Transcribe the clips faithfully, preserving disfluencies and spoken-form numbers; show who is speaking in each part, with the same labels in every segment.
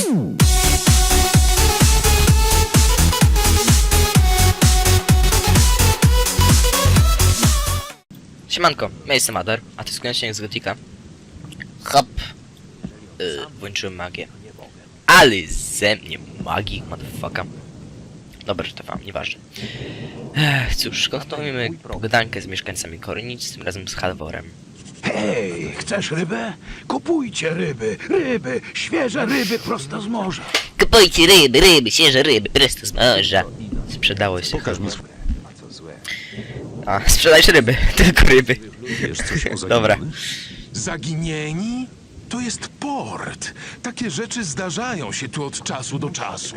Speaker 1: Siemanko, ja jestem Adar, a to jest koniecznie z Gotika. Hop! Yy, włączyłem magię. Ale ze mnie magii, motherfucker. Dobra, że to wam, nieważne. Ech, cóż, kontynuujemy pogadankę z mieszkańcami Kornic, tym razem z Halvorem.
Speaker 2: Hej, chcesz rybę? Kupujcie ryby, ryby, świeże ryby prosto z morza.
Speaker 1: Kupujcie ryby, ryby, świeże ryby, prosto z morza. Sprzedało się.
Speaker 3: Pokaż mi
Speaker 1: A, sprzedajesz ryby, tylko ryby.
Speaker 3: Wiesz coś o
Speaker 1: Dobra.
Speaker 3: zaginionych?
Speaker 4: Zaginieni? To jest port. Takie rzeczy zdarzają się tu od czasu do czasu.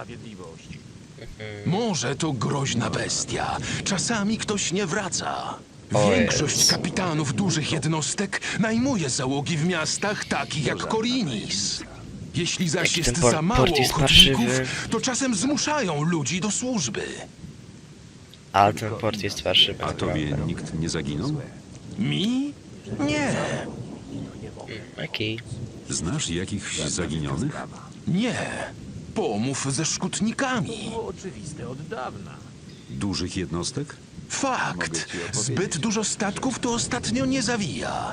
Speaker 4: Może to groźna bestia. Czasami ktoś nie wraca.
Speaker 1: O
Speaker 4: Większość
Speaker 1: Jezu.
Speaker 4: kapitanów dużych jednostek najmuje załogi w miastach takich jak Korinis. Jeśli zaś
Speaker 1: Jaki
Speaker 4: jest
Speaker 1: ten por-
Speaker 4: za mało
Speaker 1: port jest
Speaker 4: ochotników,
Speaker 1: parszywy.
Speaker 4: to czasem zmuszają ludzi do służby.
Speaker 1: Ale ten port jest farszywy.
Speaker 3: A tobie nikt nie zaginął?
Speaker 4: Mi? Nie,
Speaker 1: Okej.
Speaker 3: Znasz jakichś zaginionych?
Speaker 4: nie. Pomów ze szkutnikami.
Speaker 3: Dużych jednostek?
Speaker 4: Fakt. Zbyt dużo statków to ostatnio nie zawija.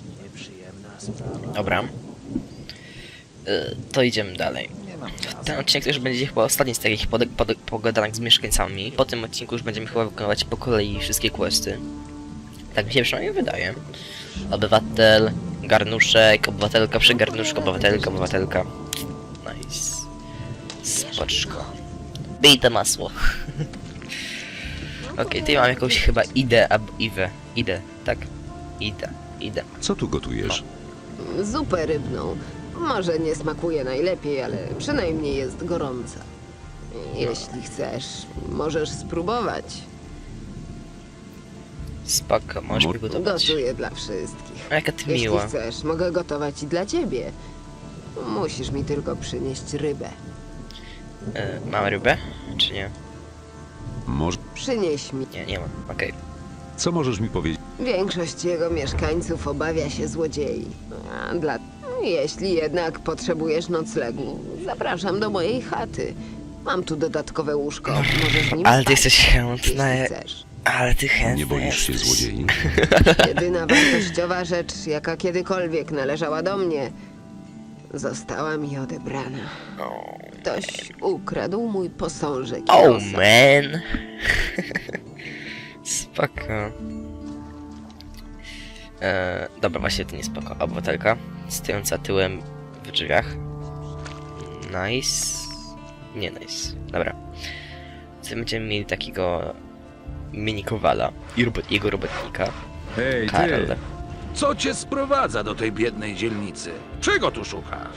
Speaker 1: Dobra. Y, to idziemy dalej. Ten odcinek też będzie chyba ostatni z takich pod, pod, pogadanek z mieszkańcami. Po tym odcinku już będziemy chyba wykonywać po kolei wszystkie questy. Tak mi się przynajmniej wydaje. Obywatel, garnuszek, obywatelka przy garnuszku, obywatelka, obywatelka. Nice. Spoczko. Bij to masło. Okej, okay, tutaj mam jakąś chyba Idę albo Iwę. Idę, tak. Idę, Idę.
Speaker 3: Co tu gotujesz?
Speaker 5: Zupę rybną. Może nie smakuje najlepiej, ale przynajmniej jest gorąca. Jeśli chcesz, możesz spróbować.
Speaker 1: Spoko, możesz
Speaker 3: Mo-
Speaker 1: przygotować.
Speaker 5: Gotuję dla wszystkich.
Speaker 1: A jaka ty
Speaker 5: Jeśli
Speaker 1: miła.
Speaker 5: chcesz, mogę gotować i dla ciebie. Musisz mi tylko przynieść rybę.
Speaker 1: E, mam rybę? Czy nie?
Speaker 3: Może...
Speaker 5: Przynieś mi.
Speaker 1: Nie, nie mam. Okej.
Speaker 3: Co możesz mi powiedzieć?
Speaker 5: Większość jego mieszkańców obawia się złodziei. A dla... Jeśli jednak potrzebujesz noclegu, zapraszam do mojej chaty. Mam tu dodatkowe łóżko. Możesz nim
Speaker 1: Ale ty
Speaker 5: spać,
Speaker 1: jesteś chętna.
Speaker 5: jeśli chcesz.
Speaker 1: Ale ty chętny
Speaker 3: Nie boisz się
Speaker 1: jesteś.
Speaker 3: złodziei?
Speaker 5: Jedyna wartościowa rzecz, jaka kiedykolwiek należała do mnie, została mi odebrana.
Speaker 1: O,
Speaker 5: Ktoś ukradł mój posążek. i
Speaker 1: oh
Speaker 5: osa.
Speaker 1: man. Spoko. E, dobra, właśnie to nie spoko. Obywatelka stojąca tyłem w drzwiach. Nice. Nie nice. Dobra. Tutaj będziemy mieli takiego mini kowala i robot, jego robotnika.
Speaker 2: Hej,
Speaker 1: Karol.
Speaker 2: ty! Co cię sprowadza do tej biednej dzielnicy? Czego tu szukasz?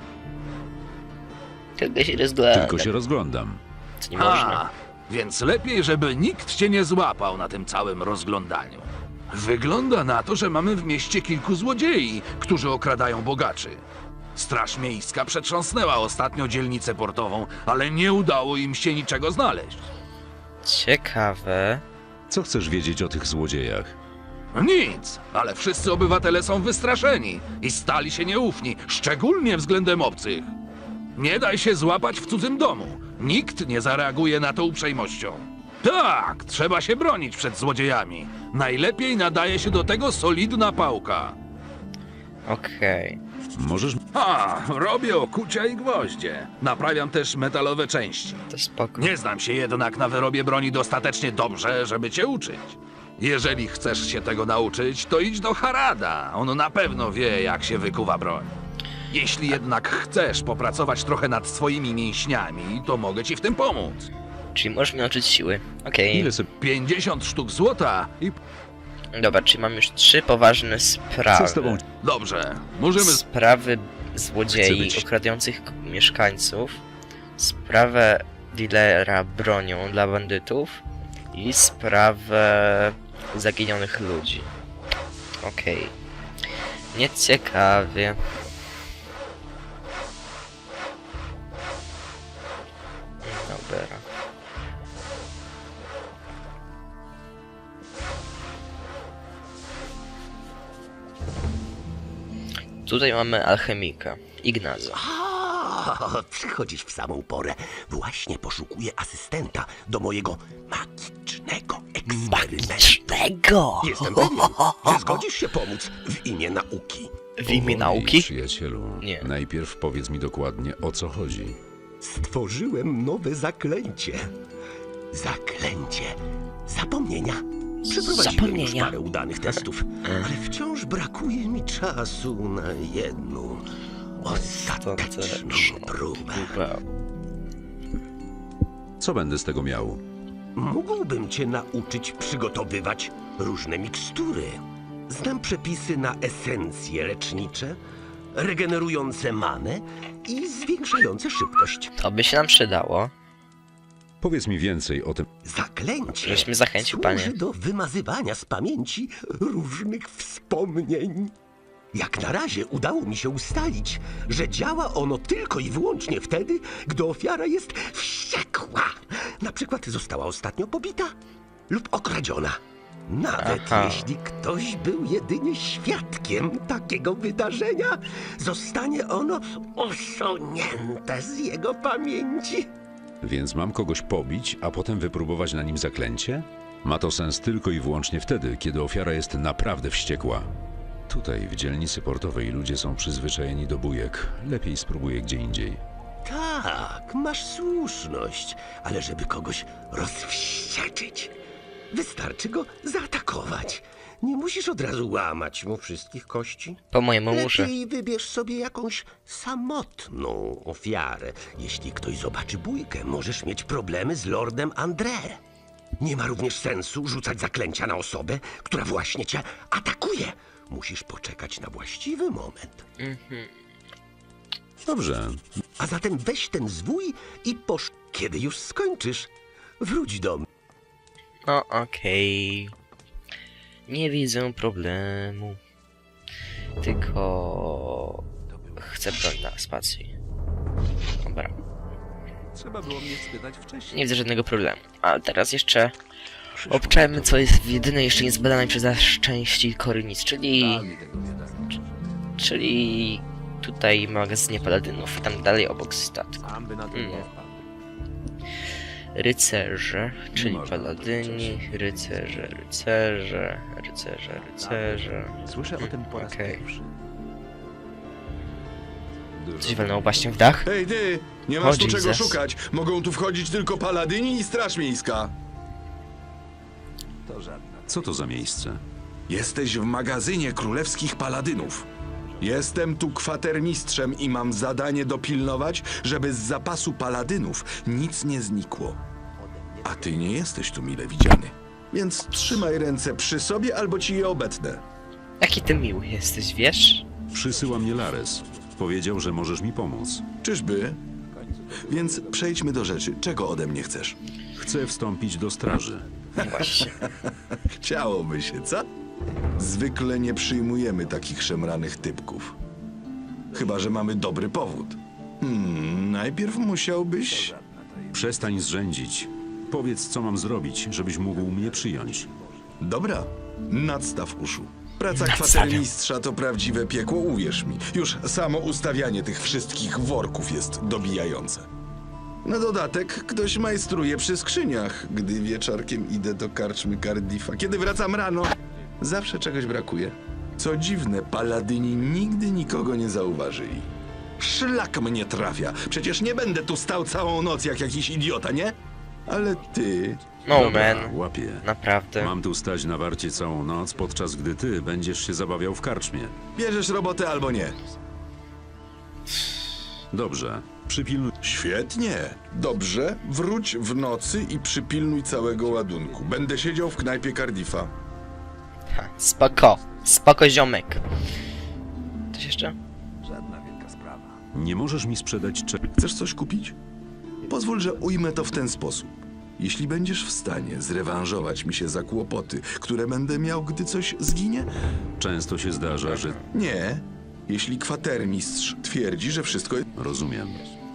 Speaker 1: Tylko się rozgląda.
Speaker 3: Tylko się rozglądam.
Speaker 1: Co nie można.
Speaker 2: A, więc lepiej, żeby nikt cię nie złapał na tym całym rozglądaniu. Wygląda na to, że mamy w mieście kilku złodziei, którzy okradają bogaczy. Straż Miejska przetrząsnęła ostatnio dzielnicę portową, ale nie udało im się niczego znaleźć.
Speaker 1: Ciekawe.
Speaker 3: Co chcesz wiedzieć o tych złodziejach?
Speaker 2: Nic, ale wszyscy obywatele są wystraszeni i stali się nieufni, szczególnie względem obcych. Nie daj się złapać w cudzym domu. Nikt nie zareaguje na to uprzejmością. Tak, trzeba się bronić przed złodziejami. Najlepiej nadaje się do tego solidna pałka.
Speaker 1: Okej.
Speaker 3: Możesz...
Speaker 2: A, robię okucia i gwoździe. Naprawiam też metalowe części.
Speaker 1: To spoko.
Speaker 2: Nie znam się jednak na wyrobie broni dostatecznie dobrze, żeby cię uczyć. Jeżeli chcesz się tego nauczyć, to idź do Harada. On na pewno wie, jak się wykuwa broń. Jeśli jednak chcesz popracować trochę nad swoimi mięśniami, to mogę ci w tym pomóc.
Speaker 1: Czyli możesz mi nauczyć siły. Okej.
Speaker 3: Ile sobie...
Speaker 2: pięćdziesiąt sztuk złota i...
Speaker 1: Dobra, czyli mam już trzy poważne sprawy.
Speaker 3: Co z tobą...
Speaker 2: Dobrze, możemy...
Speaker 1: Sprawy
Speaker 3: Chcę
Speaker 1: złodziei
Speaker 3: być-
Speaker 1: okradających k- mieszkańców, sprawę dealera bronią dla bandytów i sprawę zaginionych ludzi. Okej. Nieciekawie. Dobra. Tutaj mamy alchemika, Ignaza.
Speaker 4: A,
Speaker 6: O, przychodzisz w samą porę. Właśnie poszukuję asystenta do mojego magicznego eksperymentu.
Speaker 1: Magicznego!
Speaker 6: Jestem pewien, że zgodzisz się pomóc w imię nauki.
Speaker 1: W imię
Speaker 3: Powoli,
Speaker 1: nauki?
Speaker 3: Przyjacielu,
Speaker 1: Nie.
Speaker 3: najpierw powiedz mi dokładnie, o co chodzi.
Speaker 6: Stworzyłem nowe zaklęcie. Zaklęcie zapomnienia. Przeprowadziłem już
Speaker 1: Zapomnienia.
Speaker 6: parę udanych testów, ale wciąż brakuje mi czasu na jedną ostateczną próbę.
Speaker 3: Co będę z tego miał?
Speaker 6: Mógłbym cię nauczyć przygotowywać różne mikstury. Znam przepisy na esencje lecznicze, regenerujące manę i zwiększające szybkość.
Speaker 1: To by się nam przydało.
Speaker 3: Powiedz mi więcej o tym.
Speaker 6: Zaklęcie
Speaker 1: Żeś mnie zachęcił,
Speaker 6: służy
Speaker 1: panie.
Speaker 6: do wymazywania z pamięci różnych wspomnień. Jak na razie udało mi się ustalić, że działa ono tylko i wyłącznie wtedy, gdy ofiara jest wściekła. Na przykład została ostatnio pobita lub okradziona. Nawet
Speaker 1: Aha.
Speaker 6: jeśli ktoś był jedynie świadkiem takiego wydarzenia, zostanie ono usunięte z jego pamięci.
Speaker 3: Więc mam kogoś pobić, a potem wypróbować na nim zaklęcie? Ma to sens tylko i wyłącznie wtedy, kiedy ofiara jest naprawdę wściekła. Tutaj, w dzielnicy portowej, ludzie są przyzwyczajeni do bujek. Lepiej spróbuję gdzie indziej.
Speaker 6: Tak, masz słuszność, ale żeby kogoś rozwścieczyć, wystarczy go zaatakować. Nie musisz od razu łamać mu wszystkich kości.
Speaker 1: Po mojemu muszę.
Speaker 6: Lepiej wybierz sobie jakąś samotną ofiarę. Jeśli ktoś zobaczy bójkę, możesz mieć problemy z Lordem André. Nie ma również sensu rzucać zaklęcia na osobę, która właśnie cię atakuje. Musisz poczekać na właściwy moment.
Speaker 3: Dobrze.
Speaker 6: A zatem weź ten zwój i posz... Kiedy już skończysz, wróć do mnie.
Speaker 1: No okej. Nie widzę problemu. Tylko... Chcę broń na spacji. Dobra.
Speaker 7: Trzeba było mnie spytać wcześniej.
Speaker 1: Nie widzę żadnego problemu. Ale teraz jeszcze... Obczajmy, co jest jedyne jeszcze niezbadane przez nasz części Korynic, czyli... Czyli... Tutaj magazynie paladynów, tam dalej obok statku.
Speaker 7: Sam by na to
Speaker 1: Mm.
Speaker 7: nie wpadł.
Speaker 1: Rycerze, czyli
Speaker 3: można
Speaker 1: paladyni, rycerze, rycerze, rycerze, rycerze.
Speaker 7: Słyszę o tym po raz
Speaker 1: Okej.
Speaker 7: pierwszy.
Speaker 1: Coś walnęło właśnie w dach?
Speaker 8: Hej ty, nie masz
Speaker 1: O,
Speaker 8: tu czego
Speaker 1: Jesus.
Speaker 8: szukać. Mogą tu wchodzić tylko paladyni i straż miejska.
Speaker 7: To żadna.
Speaker 3: Co to za miejsce?
Speaker 8: Jesteś w magazynie królewskich paladynów. Jestem tu kwatermistrzem i mam zadanie dopilnować, żeby z zapasu paladynów nic nie znikło. A ty nie jesteś tu mile widziany. Więc trzymaj ręce przy sobie, albo ci je obetnę.
Speaker 1: Jaki ty miły jesteś, wiesz?
Speaker 3: Przysyła mnie Lares. Powiedział, że możesz mi pomóc.
Speaker 8: Czyżby? Więc przejdźmy do rzeczy. Czego ode mnie chcesz?
Speaker 3: Chcę wstąpić do straży.
Speaker 1: Właśnie.
Speaker 8: Chciałoby się, co? Zwykle nie przyjmujemy takich szemranych typków. Chyba że mamy dobry powód. Hmm, najpierw musiałbyś...
Speaker 3: Przestań zrzędzić. Powiedz, co mam zrobić, żebyś mógł mnie przyjąć.
Speaker 8: Dobra, nadstaw uszu. Praca
Speaker 1: Nadstawiam.
Speaker 8: kwatermistrza to prawdziwe piekło, uwierz mi. Już samo ustawianie tych wszystkich worków jest dobijające. Na dodatek ktoś majstruje przy skrzyniach, gdy wieczorkiem idę do karczmy Cardiffa. Kiedy wracam rano, zawsze czegoś brakuje. Co dziwne, paladyni nigdy nikogo nie zauważyli. Szlak mnie trafia. Przecież nie będę tu stał całą noc jak jakiś idiota, nie? Ale ty...
Speaker 1: No
Speaker 3: Dobra,
Speaker 1: man.
Speaker 3: łapię.
Speaker 1: Naprawdę.
Speaker 3: Mam tu stać na warcie całą noc, podczas gdy ty będziesz się zabawiał w karczmie.
Speaker 8: bierzesz robotę albo nie.
Speaker 3: Dobrze. Przypilnuj.
Speaker 8: Świetnie. Dobrze, wróć w nocy i przypilnuj całego ładunku. Będę siedział w knajpie Cardiffa.
Speaker 1: Ha, spoko. Spoko, ziomek. Coś jeszcze?
Speaker 7: Żadna wielka sprawa.
Speaker 3: Nie możesz mi sprzedać cze...
Speaker 8: Chcesz coś kupić? Pozwól, że ujmę to w ten sposób. Jeśli będziesz w stanie zrewanżować mi się za kłopoty, które będę miał, gdy coś zginie?
Speaker 3: Często się zdarza, że...
Speaker 8: Nie. Jeśli kwatermistrz twierdzi, że wszystko jest...
Speaker 3: Rozumiem.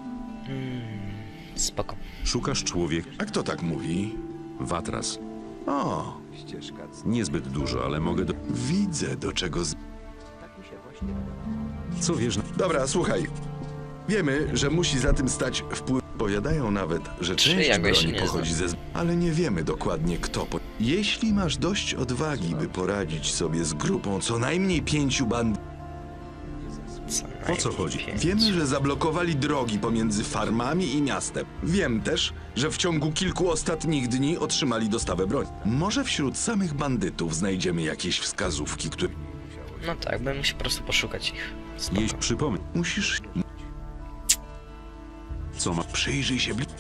Speaker 1: Spoko.
Speaker 3: Szukasz człowieka...
Speaker 8: A kto tak mówi?
Speaker 3: Watras.
Speaker 8: O,
Speaker 7: Ścieżka z...
Speaker 3: Niezbyt dużo, ale mogę do...
Speaker 8: widzę do czego z...
Speaker 3: Co wiesz na...
Speaker 8: Dobra, słuchaj. Wiemy, że musi za tym stać wpływ. Powiadają nawet, że
Speaker 1: Czy
Speaker 8: część
Speaker 1: ja go jeszcze
Speaker 8: broni
Speaker 1: nie
Speaker 8: pochodzi ze... Ale nie wiemy dokładnie kto. Po... Jeśli masz dość odwagi, by poradzić sobie z grupą co najmniej pięciu band...
Speaker 1: Co
Speaker 3: O co
Speaker 1: najmniej
Speaker 3: chodzi?
Speaker 1: pięć.
Speaker 8: Wiemy, że zablokowali drogi pomiędzy farmami i miastem. Wiem też, że w ciągu kilku ostatnich dni otrzymali dostawę broni. Może wśród samych bandytów znajdziemy jakieś wskazówki, które...
Speaker 1: No tak, bym musiał po prostu poszukać ich. Spoko.
Speaker 3: Jeśli przypomnę,
Speaker 8: Musisz...
Speaker 3: co ma...
Speaker 8: Przyjrzyj się bliżej.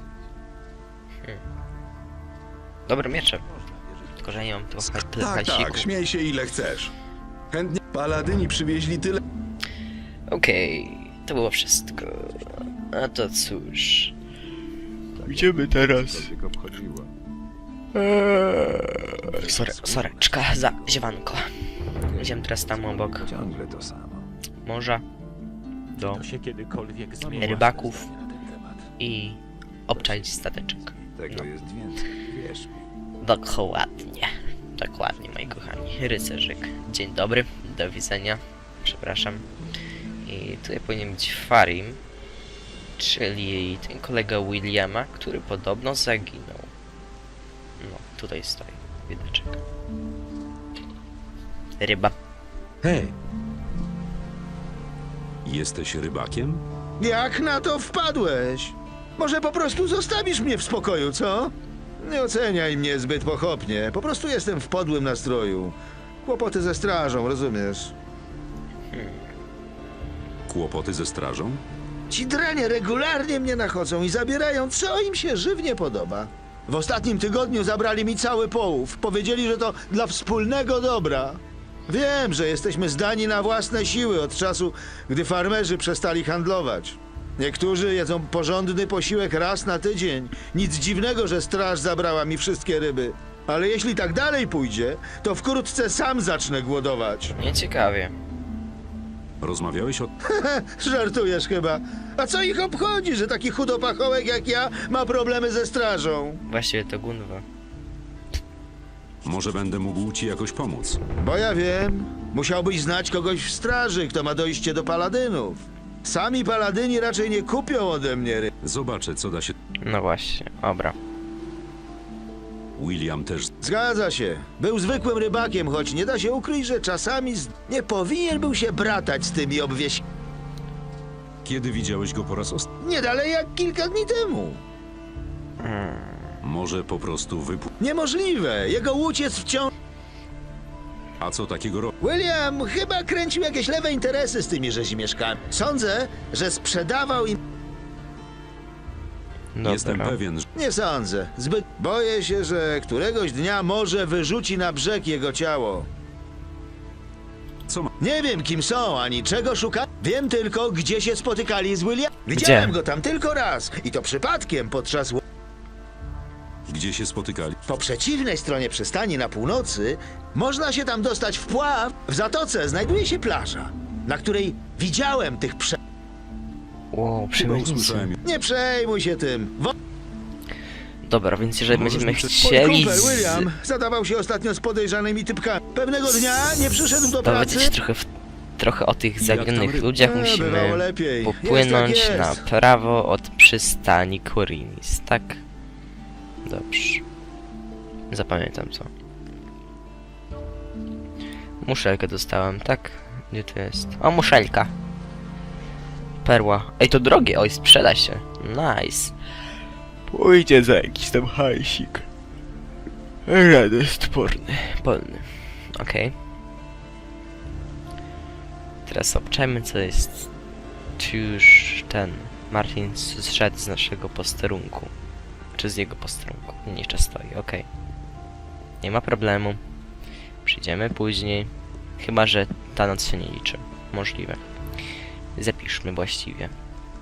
Speaker 1: Dobre miecze. Tylko, że ja nie mam tego
Speaker 8: Tak,
Speaker 1: hasiku.
Speaker 8: tak, śmiej się ile chcesz. Chętnie paladyni przywieźli tyle...
Speaker 1: Okej, to było wszystko. A to cóż. Gdzie my teraz?
Speaker 7: Cokolwiek obchodziło.
Speaker 1: Eee, sorry, soreczka za ziewanko. Idziemy teraz tam obok
Speaker 7: Ciągle to samo.
Speaker 1: morza do
Speaker 9: To się kiedykolwiek zmieni.
Speaker 1: rybaków i obczaić stateczek.
Speaker 7: Tego jest więcej, wierz mi.
Speaker 1: Dokładnie. Dokładnie, moi kochani. Rycerzyk. Dzień dobry, do widzenia. Przepraszam. I tutaj powinien być Farim, czyli ten kolega Williama, który podobno zaginął. No, tutaj stoi wideczek. Ryba.
Speaker 3: Hej! Jesteś rybakiem?
Speaker 10: Jak na to wpadłeś? Może po prostu zostawisz mnie w spokoju, co? Nie oceniaj mnie zbyt pochopnie. Po prostu jestem w podłym nastroju. Kłopoty ze strażą, rozumiesz?
Speaker 3: Kłopoty ze strażą?
Speaker 10: Ci dranie regularnie mnie nachodzą i zabierają, co im się żywnie podoba. W ostatnim tygodniu zabrali mi cały połów. Powiedzieli, że to dla wspólnego dobra. Wiem, że jesteśmy zdani na własne siły od czasu, gdy farmerzy przestali handlować. Niektórzy jedzą porządny posiłek raz na tydzień. Nic dziwnego, że straż zabrała mi wszystkie ryby. Ale jeśli tak dalej pójdzie, to wkrótce sam zacznę głodować.
Speaker 1: Nieciekawie.
Speaker 3: Rozmawiałeś o...
Speaker 10: Żartujesz chyba. A co ich obchodzi, że taki chudopachołek jak ja ma problemy ze strażą?
Speaker 1: Właściwie to Gunwa.
Speaker 3: Może będę mógł ci jakoś pomóc.
Speaker 10: Bo ja wiem, musiałbyś znać kogoś w straży, kto ma dojście do paladynów. Sami paladyni raczej nie kupią ode mnie ryb.
Speaker 3: Zobaczę, co da się...
Speaker 1: No właśnie, dobra.
Speaker 3: William też...
Speaker 10: Zgadza się. Był zwykłym rybakiem, choć nie da się ukryć, że czasami z... nie powinien był się bratać z tymi obwieś...
Speaker 3: Kiedy widziałeś go po raz ostatni?
Speaker 10: Nie dalej jak kilka dni temu.
Speaker 3: Może po prostu wypł...
Speaker 10: Niemożliwe. Jego łódź jest wciąż...
Speaker 3: A co takiego ro...
Speaker 10: William chyba kręcił jakieś lewe interesy z tymi rzezimieszkami. Sądzę, że sprzedawał im...
Speaker 1: Dobra.
Speaker 3: Jestem pewien, że...
Speaker 10: Nie sądzę. Zbyt... Boję się, że któregoś dnia może wyrzuci na brzeg jego ciało.
Speaker 3: Co ma...
Speaker 10: Nie wiem, kim są, ani czego szuka. Wiem tylko, gdzie się spotykali z William. Widziałem go tam tylko raz. I to przypadkiem podczas... ł-
Speaker 3: Gdzie się spotykali?
Speaker 10: Po przeciwnej stronie przystani na północy można się tam dostać w pław. W zatoce znajduje się plaża, na której widziałem tych prze...
Speaker 1: Wow,
Speaker 3: Chyba
Speaker 1: przemytnicy.
Speaker 3: usłyszałem...
Speaker 10: Nie przejmuj się tym. Wo...
Speaker 1: Dobra, więc jeżeli
Speaker 3: Możesz
Speaker 1: będziemy
Speaker 3: mi prze-
Speaker 10: Mój
Speaker 1: chcieli
Speaker 10: kumpel
Speaker 1: z...
Speaker 10: William zadawał się ostatnio z podejrzanymi typkami. Pewnego dnia nie przyszedł do pracy.
Speaker 1: dowiedzieć trochę, w... trochę o tych zaginionych
Speaker 3: ryb?
Speaker 1: ludziach,
Speaker 10: E,
Speaker 1: musimy
Speaker 10: bywało lepiej.
Speaker 1: popłynąć
Speaker 10: Jest jak
Speaker 1: na
Speaker 10: jest.
Speaker 1: prawo od przystani Korinis, tak? Dobrze. Zapamiętam to. Muszelkę dostałem, tak? Gdzie to jest? O, muszelka. Perła. Ej, to drogie, oj, sprzeda się. Nice. Pójdzie za jakiś tam hajsik. Radoszt porny, polny. Okej. Teraz obczajmy, co jest. Czy już ten Martin zszedł z naszego posterunku? Czy z jego posterunku? Nie, jeszcze stoi, okej. Nie ma problemu. Przyjdziemy później. Chyba że ta noc się nie liczy. Możliwe. Zapiszmy właściwie.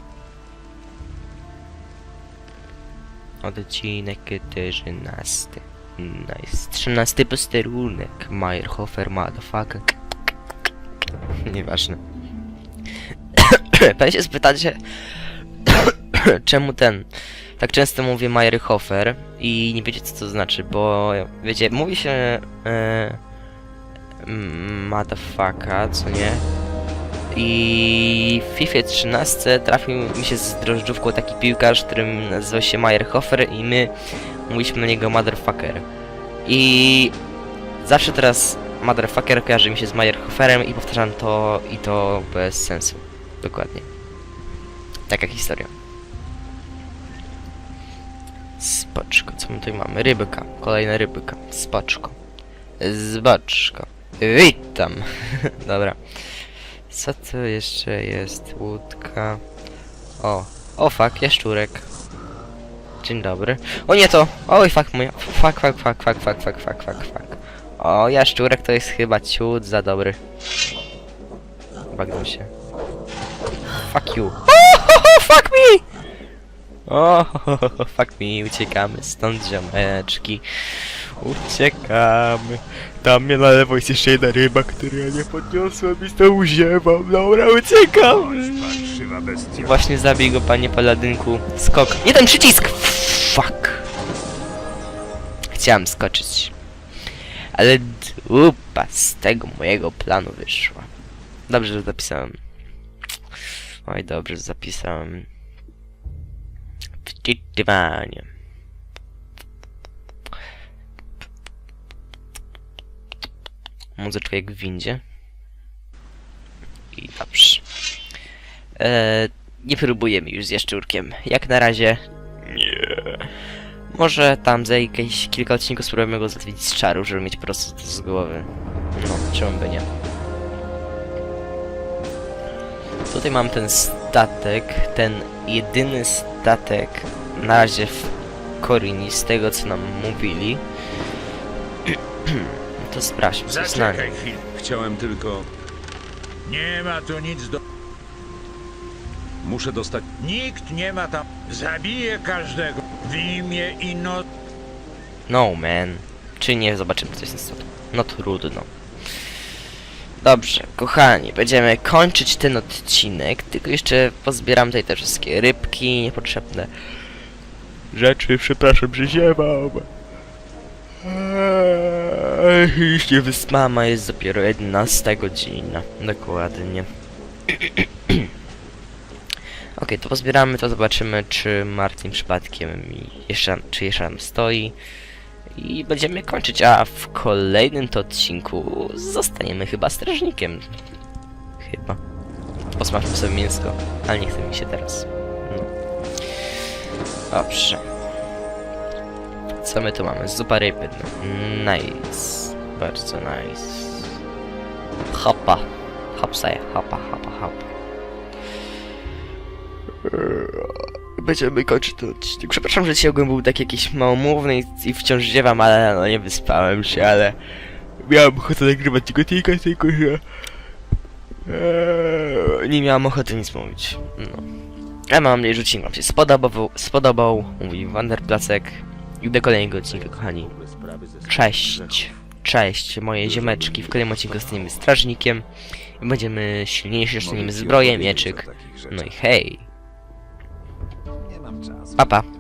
Speaker 1: Odcinek czternasty. Nice. trzynasty posterunek. Meyerhofer, motherfucker. Nieważne. Pewnie się spytacie, czemu ten tak często mówię Meyerhofer i nie wiecie, co to znaczy, bo wiecie, mówi się e, motherfucker, co nie? I w FIFA trzynaście trafił mi się z drożdżówką taki piłkarz, którym nazywał się Meyerhofer i my mówiliśmy na niego Motherfucker. I zawsze teraz Motherfucker kojarzy mi się z Meyerhoferem i powtarzam to i to bez sensu. Dokładnie. Taka historia. Spoczko, co my tutaj mamy? Rybka, kolejna rybka. Spoczko. Zboczko. Witam. Dobra. Co to jeszcze jest? Łódka. O. O fuck, jaszczurek. Dzień dobry. O nie to! Oj fuck mój. Fuck, fuck, fuck, fuck, fuck, fuck, fuck, fuck, fuck. O, jaszczurek to jest chyba ciut za dobry. Bagnął się. Fuck you. Oh, fuck me! O, fuck me, uciekamy stąd, ziomeczki. Uciekamy. Tam mnie na lewo jest jeszcze jedna ryba, której ja nie podniosłem i z tą uziewam. Dobra, uciekam. Właśnie zabij go, panie paladynku. Skok. Nie ten przycisk! Fuck. Chciałem skoczyć. Ale dupa z tego mojego planu wyszła. Dobrze, że zapisałem. Oj, dobrze, że zapisałem. Wczytywanie. Muzyczka jak w windzie. I dobrze. Eee, nie próbujemy już z jaszczurkiem. Jak na razie nie. Może tam za jakieś kilka odcinków spróbujemy go zatwić z czaru, żeby mieć po prostu to z głowy. No, czemu by nie. Tutaj mam ten statek, ten jedyny statek na razie w Korini, z tego co nam mówili. To sprawdźmy, co jest na nim.
Speaker 7: chwilę.
Speaker 3: Chciałem tylko...
Speaker 7: Nie ma tu nic do...
Speaker 3: Muszę dostać...
Speaker 7: Nikt nie ma tam... Zabiję każdego w imię i no...
Speaker 1: No man. Czy nie? Zobaczymy, co jest na stole. No trudno. Dobrze, kochani, będziemy kończyć ten odcinek, tylko jeszcze pozbieram tutaj te wszystkie rybki, niepotrzebne rzeczy, przepraszam, że ziewam. Eee, już nie wyspama, jest dopiero jedenasta godzina, dokładnie. Ok, to pozbieramy, to zobaczymy, czy Martin przypadkiem jeszcze, czy jeszcze tam stoi. I będziemy kończyć, a w kolejnym to odcinku zostaniemy chyba strażnikiem. Chyba. Posmażmy sobie mięsko, ale nie chce mi się teraz. No. Dobrze. Co my tu mamy? Zupa ryby. No. Nice. Bardzo nice. Hopa. Hopsaje. Hopa, hopa, hopa. Będziemy kończyć ten odcinek. Przepraszam, że dzisiaj ogólnie był taki jakiś małomówny i, i wciąż ziewam, ale no nie wyspałem się, ale miałem ochotę nagrywać tylko tylko, tylko że eee, nie miałem ochoty nic mówić. No. Ja mam nadzieję, że odcinek wam się spodobał, spodobał, mówi Wanderplacek i do kolejnego odcinka, kochani. Cześć. Cześć, moje ziemeczki. W kolejnym odcinku zostaniemy strażnikiem i będziemy silniejsi, dostaniemy zbroję, mieczyk. No i hej.
Speaker 7: Nie mam czasu.
Speaker 1: Pa, pa.